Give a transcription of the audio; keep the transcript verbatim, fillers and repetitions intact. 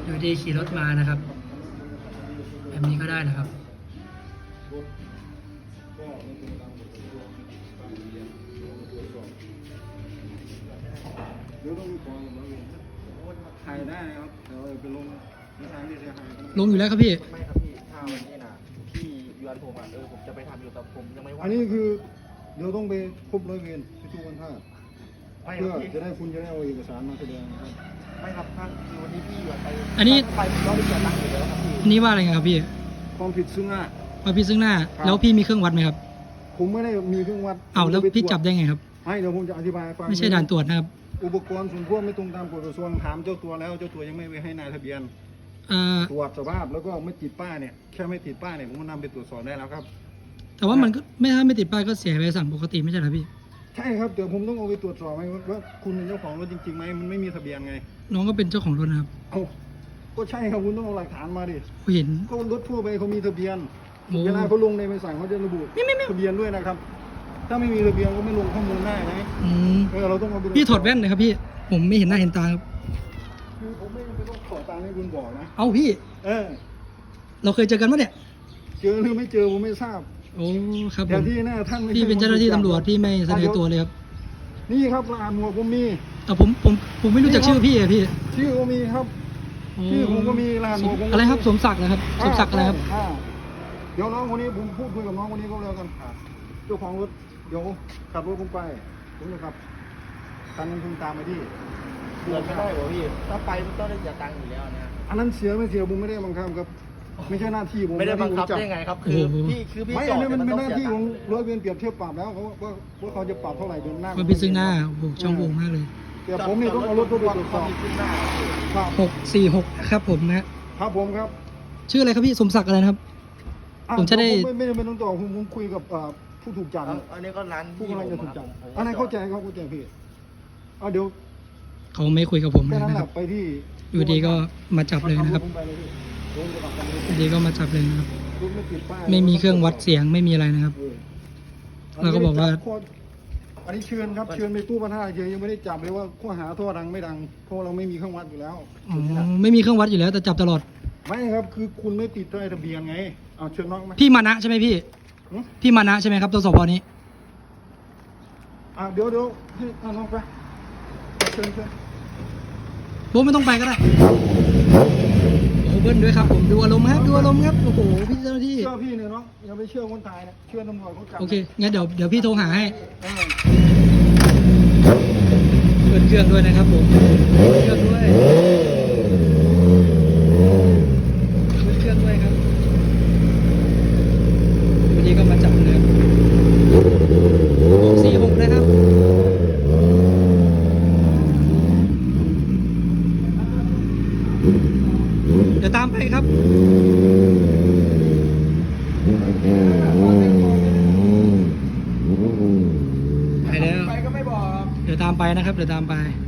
อยู่ดีขี่รถมานะครับแบบนี้ก็ได้นะครับถ่ายได้ครับเดี๋ยวไปลงในทางที่เสียหายลงอยู่แล้วครับพี่ไม่ครับพี่ถ้าวันนี้นะพี่ยวนผมอ่ะเออผมจะไปทำอยู่แต่ผมยังไม่ว่างอันนี้คือเดี๋ยวต้องไปพบร้อยเวรที่ทุกวันท่าไม่คเพื่อรับพี่จะได้คุณจะได้เอาเอกสารมาแสดงนะครับไม่ครับท่านคือวันนี้พี่ยวนไปอันนี้ไปเราไปเสียตังค์อยู่แล้วครับพี่อันนี้ว่าอะไรครับพี่ความผิดซึ่งหน้าว่าพี่ซึ่งหน้าครับแล้วพี่มีเครื่องวัดไหมครับผมไม่ได้มีเครื่องวัดอ้าวแล้วผมจะไปพี่ตรวจจับได้ไงครับให้เดี๋ยวผมจะอธิบายให้ฟังไม่ใช่ด่านตรวจนะครับอุปกรณ์ส่วนควบไม่ตรงตามกฎกระทรวงถามเจ้าตัวแล้วเจ้าตัวยังไม่ไปให้นายทะเบียนอ่าตรวจสภาพแล้วก็ไม่ติดป้ายเนี่ยแค่ไม่ติดป้ายเนี่ยผมก็นำไปตรวจสอบได้แล้วครับแต่ว่ามันก็ไม่ถ้าไม่ติดป้ายก็เสียใบสั่งปกติไม่ใช่เหรอพี่ใช่ครับเดี๋ยวผมต้องเอาไปตรวจสอบไหมว่าคุณเป็นเจ้าของรถจริงๆไหมมันไม่มีทะเบียนไงน้องก็เป็นเจ้าของรถนะครับเอาก็ใช่ครับคุณต้องเอาหลักฐานมาดิผมเห็นก็รถทั่วไปเขามีทะเบียนโอ้เวลาเขาลงในใบสั่งเขาจะระบุทะเบียนด้วยนะครับ ถ้าไม่มีทะเบียนก็ไม่ลงข้อมูลได้นะอืมเออเราต้องเอาไปพี่ถอดแว่นเลยครับพี่ ผมไม่เห็นหน้าเห็นตาครับคือผมไม่จำเป็นต้องขอตามให้คุณบอกนะเอ้าพี่เออเราเคยเจอกันปะเนี่ยเจอหรือไม่เจอผมไม่ทราบโอ้ครับผแต่มที่หน้าท่านไม่พี่ใช่เป็นเจ้าหน้าที่ตำรวจที่ไม่แสดงตัวอ่ะเลยครับนี่ครับรหัสหมวกผมมีแต่ผมผมผมไม่รู้จักชื่อพี่อะพี่ชื่อก็มีครับโอ้ชื่อผมก็มีรหัสหมวกผมก็มีอะไรครับสมศักดิ์นะครับสมศักดิ์อะไรครับอ่าเดี๋ยวน้องคนนี้ผมพูดคุยกับน้องคนนี้ก็แล้วกันเจ้าของรถเดี๋ยวขับรถผมไปผมจะขับคันนึงคุณตามไปที่เดือนไม่ได้เหรอพี่ถ้าไปมันต้องได้เสียตังค์อยู่แล้วนะอันนั้นเสียไม่เสียผมไม่ได้บังคับครับ ไม่ใช่หน้าที่ผมไม่ได้บังคับหน้าได้ที่ผมจัไงครับ คือพี่คือพี่ไม่จอัอน ดนี้มันแต่เป็นต้หองน้าเสียที่ตัของค์ร้อยเวรเปรียบเทียบปรับแล้วเขาว่าว่าเขาจะปรับเท่าไหร่เดือนหน้าว่าพี่ซึ่งหน้าโอ้โหช่องโหว่มากเลยแต่ผมนี่ต้องเอารถเข้าไปตรวจสอบมีขึ้นหน้าครับหกสี่หกครับผมนะฮะครับผมครับชื่ออะไรครับพี่สมศักดิ์อะไรนะครับอ่ผมจะได้ไม่ไม่ไม่ต้องต่อผมผมคุยกับอ่าผู้ถูกจับเอาอันนี้ก็ร้านผู้กำลังจะถูกจับผมอันนั้นเข้าใจเขาเข้าใจพี่เอาเดี๋ยวเขาไม่คุยกับผมเลแค่ยนั้นนะแหครัละบไปที่อยู่ดีก็มาจับเลยนะครับขัผมไปเลยพี่โดนจะกลับกันเลยอยู่ดีก็มาจับเลยนะครับรถไม่ติดป้ายไม่มีเครื่องวัดเสียงไม่มีอะไรนะครับเออแล้วก็บอกว่าอันนี้เชิญครับเชิญไปตู้พัฒนาเฉยยังไม่ได้จับเลยว่าข้อหาท่อดังไม่ดังเพราะเราไม่มีเครื่องวัดอยู่แล้วอ๋อไม่มีเครื่องวัดอยู่แล้วแต่จับตลอดไม่ครับคือคุณไม่ติดป้ายทะเบียนไงเอาเชิญน้องมาพี่มานะใช่ไหมพี่หึพี่มานะใช่ไหมครับตัวสพนี้อ่ะเดี๋ยวเดี๋ยวให้เอาน้องไปเชิญเชิญผมไม่ต้องไปก็ได้โอ้โหเบิ้ลด้วยครับผมดูอารมณ์ครับดูอารมณ์ครับโอ้โหพี่เจ้าหน้าที่เชื่อพี่เนี่ยน้องอย่าไปเชื่อคนตายนะเชื่อตำรวจเขาจับโอเคงั้นเดี๋ยวเดี๋ยวพี่โทรหาให้เออเปิดเครื่องด้วยนะครับผมเปิดเครื่องด้วยเปิดเครื่องด้วยครับวันนี้ก็มาจับเลยหกสี่หกนะครับ เดี๋ยวตามไปครับ ไปแล้วไปก็ไม่บอกเดี๋ยวตามไปนะครับ เดี๋ยวตามไป